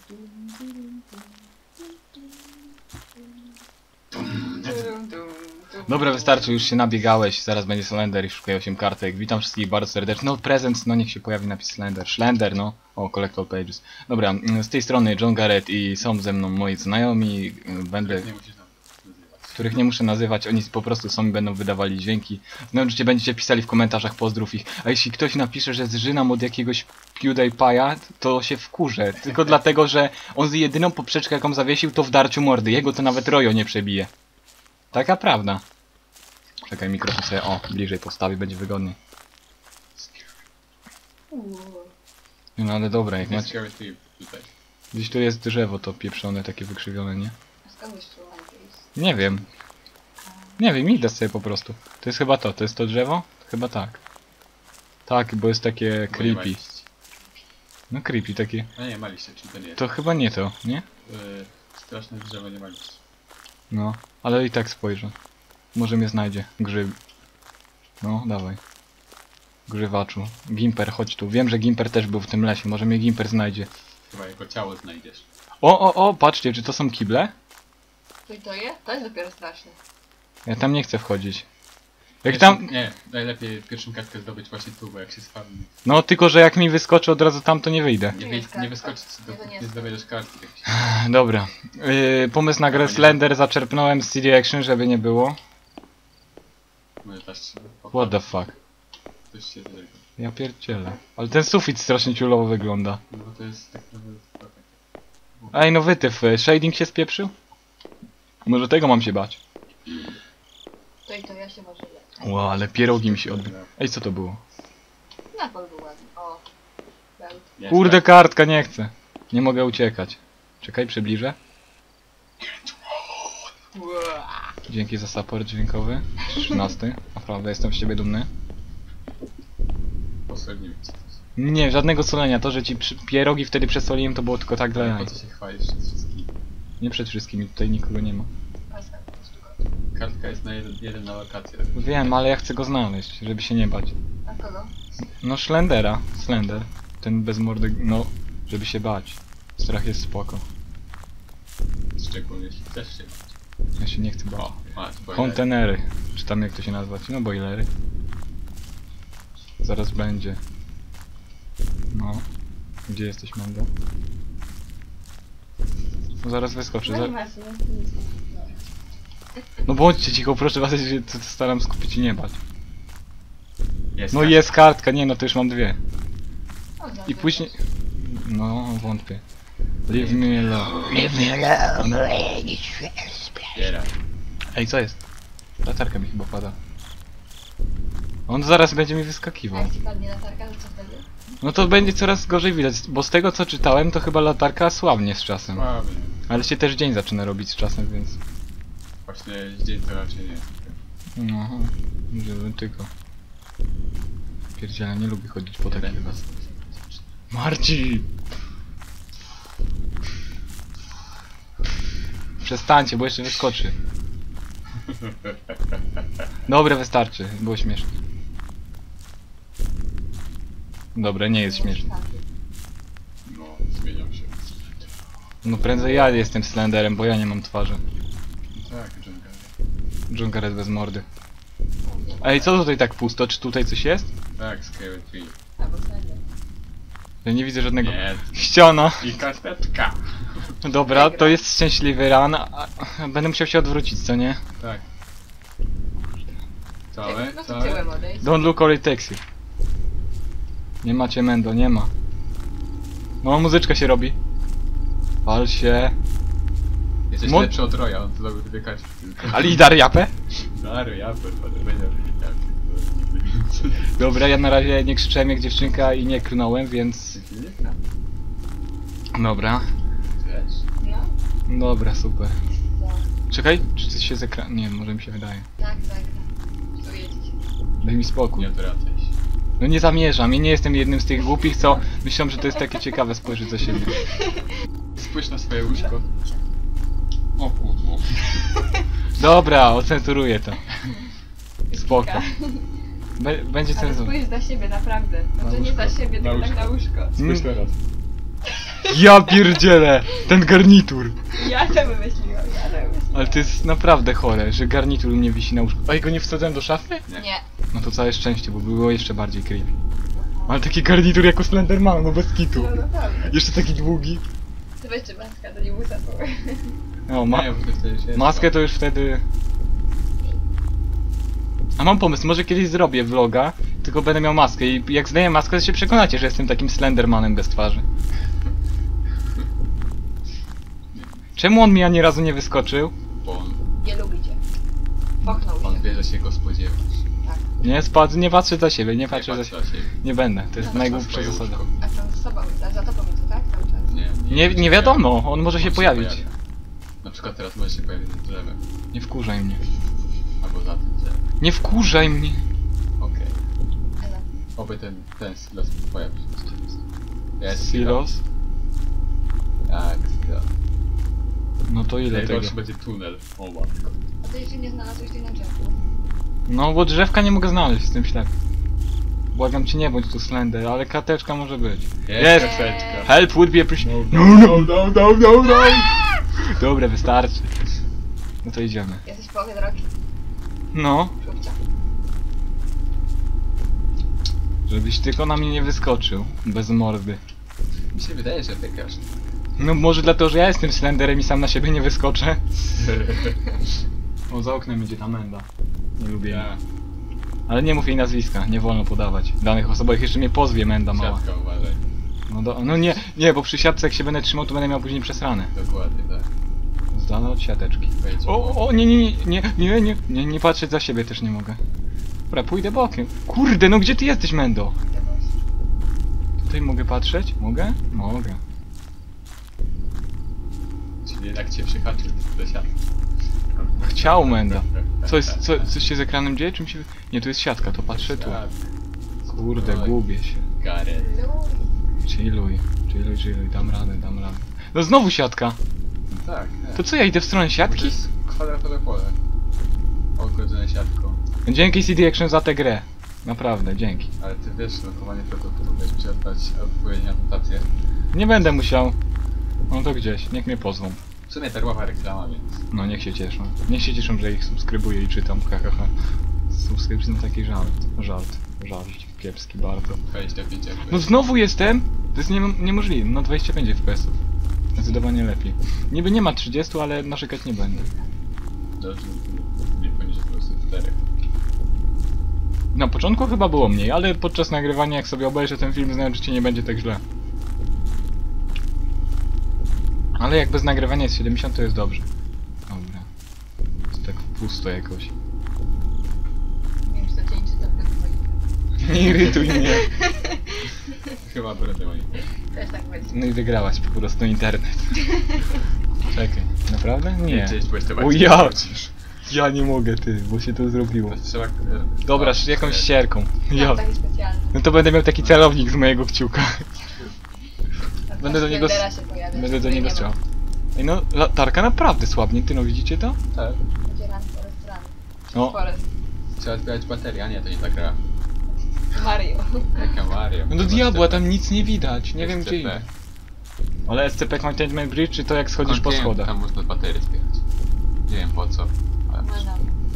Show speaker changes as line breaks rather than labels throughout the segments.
Dobra, wystarczy, już się nabiegałeś, zaraz będzie Slender i szukaj 8 kartek. Witam wszystkich bardzo serdecznie. No, prezent, no niech się pojawi napis Slender. Slender, no. O, Collect All Pages. Dobra, z tej strony John Garrett i są ze mną moi znajomi. Będę... Których nie muszę nazywać, oni po prostu są i będą wydawali dźwięki. No oczywiście będziecie pisali w komentarzach, pozdrów ich. A jeśli ktoś napisze, że zżynam od jakiegoś PewDiePie'a, to się wkurzę. Tylko dlatego, że on z jedyną poprzeczkę jaką zawiesił, to w darciu mordy. Jego to nawet Rojo nie przebije. Taka prawda. Czekaj, mikrofon sobie, o, bliżej postawi, będzie wygodniej. No ale dobra, jak macie... Gdzieś tu jest drzewo to pieprzone, takie wykrzywione, nie? Nie wiem. Nie wiem, idę sobie po prostu. To jest chyba to jest to drzewo? Chyba tak. Tak, bo jest takie creepy. No creepy takie.
No nie, ma liście, czyli to nie jest.
To chyba nie to, nie?
Straszne drzewo nie ma liści.
No, ale i tak spojrzę. Może mnie znajdzie. Grzyb. No, dawaj. Grzywaczu. Gimper, chodź tu. Wiem, że Gimper też był w tym lesie. Może mnie Gimper znajdzie.
Chyba jego ciało znajdziesz.
O, patrzcie, czy to są kible?
To jest? To jest dopiero straszne.
Ja tam nie chcę wchodzić. Jak tam...
Nie, najlepiej pierwszą kartkę zdobyć właśnie tu, bo jak się spadnie.
No, tylko że jak mi wyskoczy od razu tam, to nie wyjdę.
Nie wyskoczyć, dopóki nie zdobędziesz kartki.
Dobra. Pomysł na grę Slender zaczerpnąłem z CD Action, żeby nie było.
Może też...
What the fuck?
Coś się tego.
Ja pierdzielę. Ale ten sufit strasznie ciulowo wygląda.
No bo to jest tak naprawdę...
Ej, no wytyf, shading się spieprzył? Może tego mam się bać.
To ja się może lepiej.
Ło, ale pierogi mi się odbił. Ej, co to było?
Napol był ładny. O. Belt.
Kurde, kartka, nie chcę. Nie mogę uciekać. Czekaj, przybliżę. Dzięki za support dźwiękowy. 13. Naprawdę jestem z ciebie dumny.
Posoliłem ci.
Nie, żadnego solenia. To, że ci pierogi wtedy przesoliłem, to było tylko tak dla jaj.
Po co się chwalisz przed wszystkimi?
Nie przed wszystkimi, tutaj nikogo nie ma.
Kartka jest na jeden na lokację.
Wiem, ale ja chcę go znaleźć, żeby się nie bać.
A kogo?
No Slendera. Slender. Ten bez mordy, no, żeby się bać. Strach jest spoko.
Szczególnie jeśli chcesz się bać.
Ja się nie chcę bać.
O, masz boiler.
Kontenery. Czy tam jak to się nazwać? No boilery. Zaraz będzie. No. Gdzie jesteś, Mando? No zaraz wyskoczy. No bądźcie cicho, proszę was, ja się staram skupić i nie bać.
Jest
No
kartka.
jest kartka, nie no to już mam dwie. I później... No, wątpię. Leave me alone. Leave me alone.
Zbieraj.
Ej, co jest? Latarka mi chyba pada. On zaraz będzie mi
A
wyskakiwał.
jak ci padnie latarka, to co wtedy?
No to będzie coraz gorzej widać, bo z tego co czytałem, to chyba latarka słabnie z czasem.
Słaby.
Ale się też dzień zaczyna robić z czasem, więc...
Właśnie dzień to raczej nie.
No, żeby tylko... Pierdziele, nie lubię chodzić po
Nie
takich...
będę was.
Marci! Przestańcie, bo jeszcze wyskoczy. Dobra, wystarczy, było śmieszne. Dobra, nie jest śmieszne.
No, zmieniam się.
No prędzej ja jestem Slenderem, bo ja nie mam twarzy.
Tak, John Garrett.
John Garrett bez mordy. Ej, co tutaj tak pusto? Czy tutaj coś jest?
Tak, Skyward Tree.
Albo Slender.
Ja nie widzę żadnego...
Nie.
Ściana!
I karteczka.
Dobra, to jest szczęśliwy ran. Będę musiał się odwrócić, co nie?
Tak. Całe,
No to
całe.
tyłem odejść.
Don't look all it takes you. Nie macie Mendo, nie ma. No, muzyczka się robi. Wal się.
Jesteś
Mo-
lepszy od Roya, on to zrobił dwie kartki tylko.
Ale i dar japę?
Dary, ja będę
Dobra, ja na razie nie krzyczałem jak dziewczynka i nie klnąłem, więc... Dobra.
No.
Dobra, super.
Co?
Czekaj, czy coś się z ekranu... Nie, może mi się wydaje.
Tak. Tu jedziecie.
Daj mi spokój.
Nie odwracaj się.
No nie zamierzam, ja nie jestem jednym z tych głupich, co myślą, że to jest takie ciekawe spojrzeć za siebie.
Spójrz na swoje łóżko. O kurwa.
Dobra, ocenzuruję to. Spoko. Będzie
Ale
cenzura.
spójrz za siebie, naprawdę.
Na
Może nie za
łóżko.
siebie,
Na
tylko tak
łóżko.
na łóżko.
Spójrz teraz.
Ja pierdzielę! Ten garnitur!
Ja to wymyśliłam,
Ale to jest naprawdę chore, że garnitur mnie wisi na łóżku. A jego nie wsadzałem do szafy?
Nie.
No to całe szczęście, bo było jeszcze bardziej creepy. Ale taki garnitur jako Slenderman, no bez kitu.
No naprawdę.
Jeszcze taki długi.
To weźcie maskę, to nie muszę.
No,
Nie, bo to wtedy się
maskę to już wtedy... A mam pomysł, może kiedyś zrobię vloga, tylko będę miał maskę i jak zdejmę maskę, to się przekonacie, że jestem takim Slendermanem bez twarzy. Czemu on mi ani razu nie wyskoczył?
Bo on,
Nie lubicie. Pochnął
on
się.
wie, że się go spodziewa.
Tak.
Nie spadł, nie patrzę za siebie, nie patrzę za
patrz
siebie.
na siebie.
Nie będę, to jest
No,
najgłupsza
swoje
zasada.
łóżko.
A tam z sobą, a za tobą jest, tak? Cały czas.
Nie, nie wiadomo, on może się
On
pojawić.
pojawia. Na przykład teraz może się pojawić nad drzewem.
Nie wkurzaj mnie.
Albo za tym drzewem.
Nie wkurzaj mnie!
Okej.
Ale
Oby ten silos pojawi się rzeczywiście. Ja jestem
Silos?
ciekawy. Tak, silos.
No to ile tego?
Najgorszy będzie tunel. O matko.
a ty jeszcze nie znalazłeś tej na drzewku.
No bo drzewka nie mogę znaleźć, jestem ślepy. Błagam cię, nie bądź tu Slender, ale karteczka może być. Jest!
karteczka.
Help would be appreciated. No. Dobra, wystarczy. No to idziemy.
Jesteś w połowie drogi.
No,
Szubcia.
żebyś tylko na mnie nie wyskoczył. Bez mordy.
Mi się wydaje, że wygrasz.
No może dlatego, że ja jestem Slenderem i sam na siebie nie wyskoczę. O, za oknem idzie ta menda. Nie lubię jej.
Ja.
Ale nie mów jej nazwiska, nie wolno podawać danych osobowych, jeszcze mnie pozwie menda mała.
Siatka, uważaj.
No nie, bo przy siatce jak się będę trzymał, to będę miał później przesrane.
Dokładnie, tak.
Z dala od siateczki.
Wejdź.
O, nie patrzeć za siebie też nie mogę. Dobra, pójdę bokiem. Kurde, no gdzie ty jesteś, Mendo?
Idę boś.
Tutaj mogę patrzeć? Mogę? Mogę.
Czyli jednak cię przyhaczył do siatki.
Chciał, Mendo. Coś się z ekranem dzieje? Czym się... Nie, tu jest siatka, to patrzę tu. Kurde, gubię się.
Gareth.
Chilluj, dam radę. No znowu siatka!
No tak, tak.
To co, ja idę w stronę
Bo to
siatki?
jest kwadratowe pole. Ogrodzone siatką.
Dzięki CD Action za tę grę. Naprawdę, dzięki.
Ale ty wiesz, lokowanie produktu, będziesz musiał dać odpowiednią notację.
Nie będę musiał. No to gdzieś, niech mnie pozwą.
W sumie darmowa reklama, więc...
No niech się cieszą. Niech się cieszą, że ich subskrybuję i czytam, hahaha. Subskrypcje to taki żart kiepski bardzo.
25 jakby.
No znowu jestem! To jest niemożliwe, no 25 FPS-ów. Zdecydowanie lepiej. Niby nie ma 30, ale narzekać nie będę.
Dobrze, nie poniżej po prostu 4.
Na początku chyba było mniej, ale podczas nagrywania jak sobie obejrzę ten film, znaczy nie będzie tak źle. Ale jak bez nagrywania jest 70, to jest dobrze. Dobra. Jest tak pusto jakoś.
Nie wiem, czy to cię nie
Nie irytuj mnie.
Chyba było nie.
Też tak będzie.
No i wygrałaś po prostu internet. Czekaj, naprawdę? Nie.
Gdzieś byłeś to
O
bardziej
ja!
wrócisz.
Ja nie mogę, ty, bo się to zrobiło.
To trzeba...
Dobra, jakąś ścierką. Ja.
Ja. Taki specjalny.
No to będę miał taki celownik z mojego kciuka.
Tak,
Będę do niego
Slendera się pojawia,
Będę do
której
niego
nie ma.
strzelał. Ej no, latarka naprawdę słabnie, ty no widzicie to?
Tak.
Będzie run forest run.
No.
Forest.
Trzeba zbierać baterię, a nie, to nie ta gra.
Mario.
Jaka Mario.
No do
Chyba
diabła,
SCP.
tam nic nie widać, nie wiem gdzie
SCP.
idę. Ale SCP Containment Bridge, czy to jak schodzisz po
Nie wiem,
schodach?
Tam można baterię zbierać. Nie wiem po co, ale...
Można.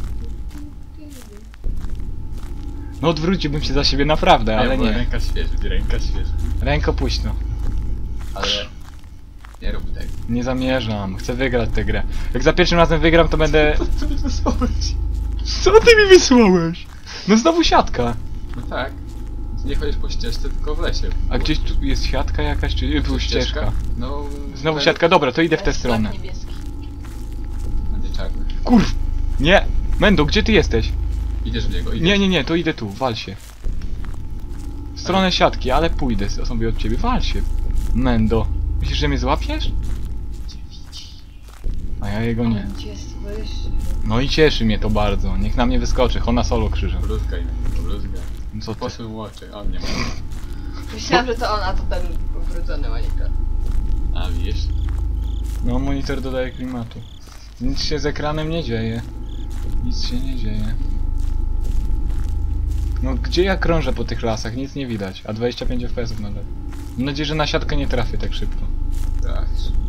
No odwróciłbym się za siebie naprawdę, ale
bo
nie.
Ręka świeży.
Ręko puśno.
Ale... Nie rób tego.
Nie zamierzam, chcę wygrać tę grę. Jak za pierwszym razem wygram, to będę...
Co mi wysłałeś?
Co ty mi wysłałeś? No znowu siatka.
No tak. Nie chodzisz po ścieżce, tylko w lesie.
A gdzieś tu jest siatka jakaś, czy tu ścieżka?
No...
Znowu siatka, dobra, to idę w tę
Teraz
stronę.
znak niebieski.
Będzie czarny.
Kurw! Nie! Mendo, gdzie ty jesteś?
Idziesz w niego, idziesz.
Nie, to idę tu, wal się. W stronę siatki, ale pójdę sobie od ciebie, wal się. Mendo. Myślisz, że mnie złapiesz? A ja jego nie.
On cię słyszy.
No i cieszy mnie to bardzo, niech na mnie wyskoczy, Hona Solo krzyżem.
Bluzgaj, bluzgaj.
Co ty?
Posłem oczy, on nie ma.
Myślałam, że to on, a to ten ubrudzony monitor.
A widzisz?
No monitor dodaje klimatu. Nic się z ekranem nie dzieje. Nic się nie dzieje. No gdzie ja krążę po tych lasach? Nic nie widać, a 25 FPS nadal. Mam nadzieję, że na siatkę nie trafię tak szybko.
Tak.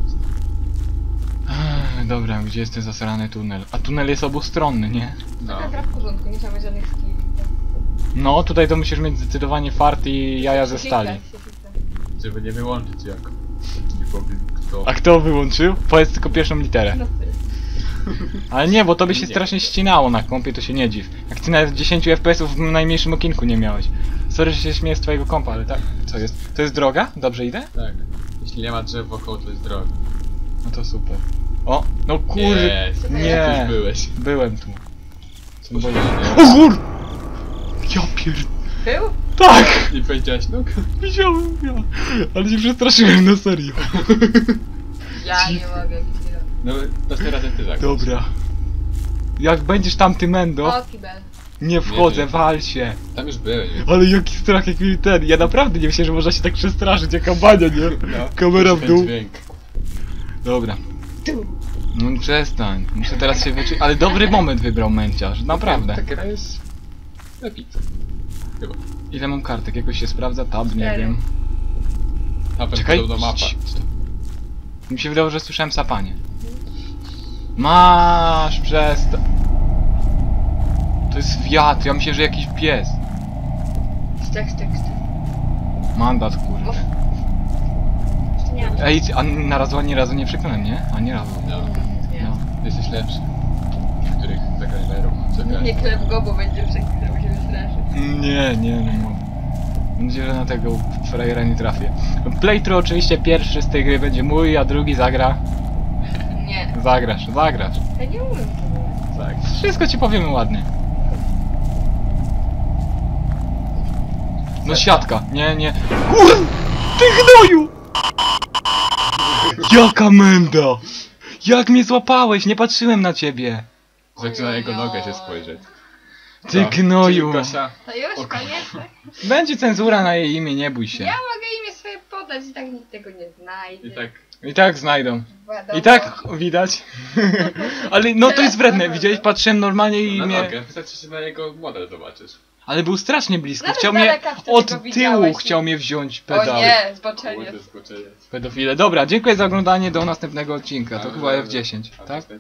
Dobra, gdzie jest ten zasrany tunel? A tunel jest obustronny, nie?
No.
Taka gra w porządku, nie trzeba mieć żadnych skilli.
No, tutaj to musisz mieć zdecydowanie fart i jaja ze stali.
Żeby nie wyłączyć jak. Nie powiem kto.
A kto wyłączył? Powiedz tylko pierwszą literę.
No ty.
Ale nie, bo to by się
Nie.
strasznie ścinało na kompie, to się nie dziw. Jak ty nawet 10 FPS-ów w najmniejszym okinku nie miałeś. Sorry, że się śmieję z twojego kompa, ale tak. Co jest? To jest droga? Dobrze idę?
Tak. Jeśli nie ma drzew wokoło, to jest droga.
No to super. O, no kur...
Jest.
Nie.
Już byłeś.
Byłem tu.
Boże,
O kur... Ja pier...
Był?
Tak!
nie powiedziałeś nóg?
Widziałem, ja. Ale się przestraszyłem, na serio.
Ja nie mogę.
No, następnym ty tak.
Dobra. Jak będziesz tam ty mendo,
O, kibel.
nie wchodzę,
Nie, nie.
wal się.
Tam już byłeś. Więc...
Ale jaki strach, jak mi ten. Ja naprawdę nie myślę, że można się tak przestraszyć, jaka bania, nie?
No,
Kamera w
ten
dół.
dźwięk.
Dobra. No przestań. Muszę teraz się wyczuć. Ale dobry moment wybrał męciarz, naprawdę.
Ta gra jest... Epic. Chyba.
Ile mam kartek? Jakoś się sprawdza? Tab, nie
4.
wiem.
A
Czekaj.
podobna mapa.
Mi się wydało, że słyszałem sapanie. Masz przestań. To jest wiatr, ja myślę, że jakiś pies.
Stek.
Mandat, kurde.
Jeszcze nie mam.
Ej, a ani razu nie przekonałem, nie? A nie razu.
No.
Nie.
No.
Jesteś lepszy. Niektórych zagrażerów.
Nie klep go, bo będzie przekrył się wystraszy.
Nie mogę. Mam nadzieję, że na tego frajera nie trafię. Playthrough oczywiście pierwszy z tej gry będzie mój, a drugi zagra.
Nie.
Zagrasz.
Ja nie umiem tego.
Tak.
Wszystko ci powiemy ładnie. No siatka, nie. Kur... Ty gnoju! Jaka menda! Jak mnie złapałeś? Nie patrzyłem na ciebie.
Zaczyna na jego nogę się spojrzeć.
Ty
Co?
gnoju.
Czyli Gosia,
To już,
O,
koniec? tak?
Będzie cenzura na jej imię, nie bój się.
Ja mogę imię swoje podać i tak nikt tego nie znajdzie.
i tak
I tak znajdą.
Wiadomo.
I tak widać. Ale no to jest wredne, widziałeś? Patrzyłem normalnie i
na
mnie...
nogę. Wystarczy, że na jego model zobaczysz.
Ale był strasznie blisko.
Nawet
Chciał
z
mnie...
daleka wtedy
Od
go
tyłu
widziałeś.
chciał mnie wziąć
O
pedał.
nie, zboczenie.
Kurde, skoczenie.
Pedofile. Dobra, dziękuję za oglądanie, do następnego odcinka. To chyba F10,
A,
tak?